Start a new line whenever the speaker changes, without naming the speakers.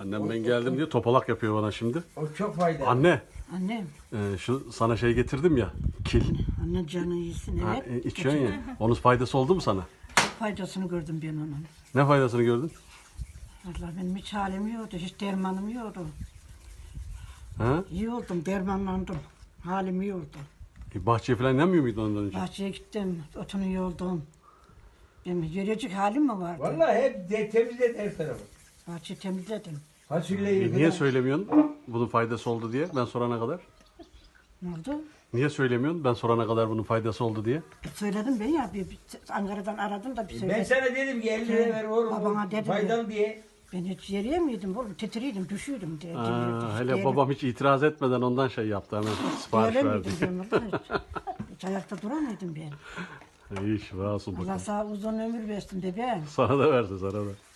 Annem ben geldim diye topalak yapıyor bana şimdi.
O çok faydalı.
Anne,
Annem,
şu sana şey getirdim ya, kil.
anne canı iyisin
Ha,
evet.
içiyorsun ya. Onun faydası oldu mu sana?
Çok faydasını gördüm ben onun.
Ne faydasını gördün?
Vallahi benim hiç halim yoktu, hiç dermanım yoktu.
Ha?
İyi oldum, dermanlandım. Halim iyi oldu.
Bahçeye falan inemiyor muydun ondan önce?
Bahçeye gittim, otunu yoldum. Benim yürüyecek halim mi vardı?
Vallahi hep temizlet her tarafı.
Bahçeyi temizledim.
Fasulyeyi
Niye söylemiyorsun bunun faydası oldu diye ben sorana kadar?
Ne oldu?
Niye söylemiyorsun ben sorana kadar bunun faydası oldu diye?
Söyledim ben ya, bir Ankara'dan aradım da bir
Ben
söyledim.
sana dedim ki 50 lira ver oğlum.
Babana dedim
Faydalı diye.
Ben hiç yürüyemiyordum oğlum, titriydim, düşüyordum diye.
Aa, hele babam hiç itiraz etmeden ondan şey yaptı hemen sipariş verdi.
Öyle ben orada hiç ayakta duramıyordum ben.
İyi şifa olsun
Allah
bakalım.
sağ uzun ömür versin bebeğim.
Sana da versin sana da.